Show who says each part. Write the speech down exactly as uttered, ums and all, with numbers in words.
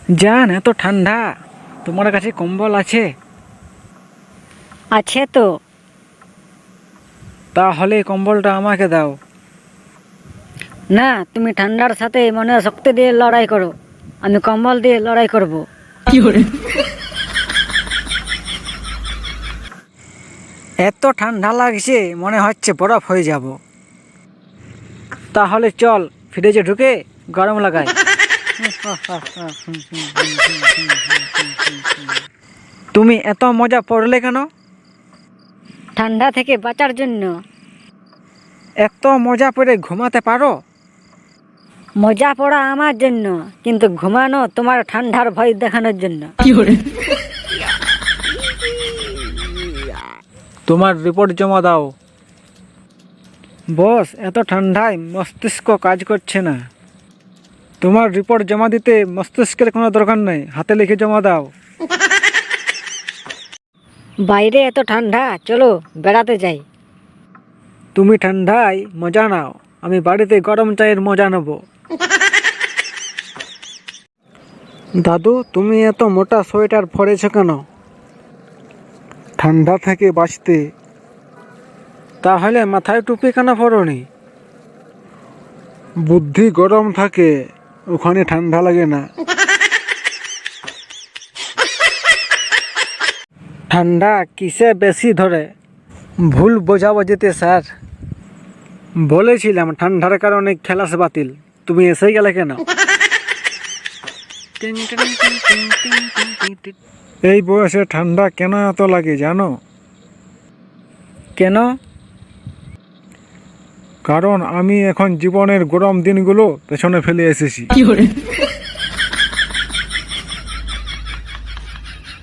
Speaker 1: জান এত ঠান্ডা, তোমার কাছে কম্বল আছে?
Speaker 2: আছে তো।
Speaker 1: তাহলে কম্বলটা আমাকে দাও।
Speaker 2: না, তুমি ঠান্ডার সাথে মনে শক্তি দিয়ে লড়াই করো, আমি কম্বল দিয়ে লড়াই করব।
Speaker 1: এত ঠান্ডা লাগছে মনে হচ্ছে বরফ হয়ে যাব। তাহলে চল ফ্রিজে ঢুকে গরম লাগাই। তুমি এত মজা পড়লে কেন?
Speaker 2: ঠান্ডা থেকে বাঁচার জন্য।
Speaker 1: এত মজা পড়ে ঘুমাতে পারো?
Speaker 2: মজা পড়া আমার জন্য, কিন্তু ঘুমানো তোমার ঠান্ডার ভয় দেখানোর জন্য।
Speaker 1: তোমার রিপোর্ট জমা দাও। বস, এত ঠান্ডায় মস্তিষ্ক কাজ করছে না। তোমার রিপোর্ট জমা দিতে মস্তিষ্কের কোনো দরকার নেই, হাতে লিখে জমা দাও।
Speaker 2: বাইরে এত ঠান্ডা, চলো বেড়াতে যাই।
Speaker 1: তুমি ঠান্ডায় মজা নাও, আমি বাড়িতে গরম চায়ের মজা নেব। দাদু, তুমি এত মোটা সোয়েটার পরেছ কেন? ঠান্ডা থেকে বাঁচতে। তাহলে মাথায় টুপি কেন পরনি? বুদ্ধি গরম থাকে, ওখানে ঠান্ডা লাগে না। ঠান্ডা কিসে বেশি ধরে? ভুল বোঝাবুঝিতে স্যার। বলেছিলাম ঠান্ডার কারণে খেলাস বাতিল, তুমি এসে গেলে কেন? এই বয়সে ঠান্ডা কেন এত লাগে জানো? কেন? কারণ আমি এখন জীবনের গরম দিনগুলো পেছনে ফেলে এসেছি।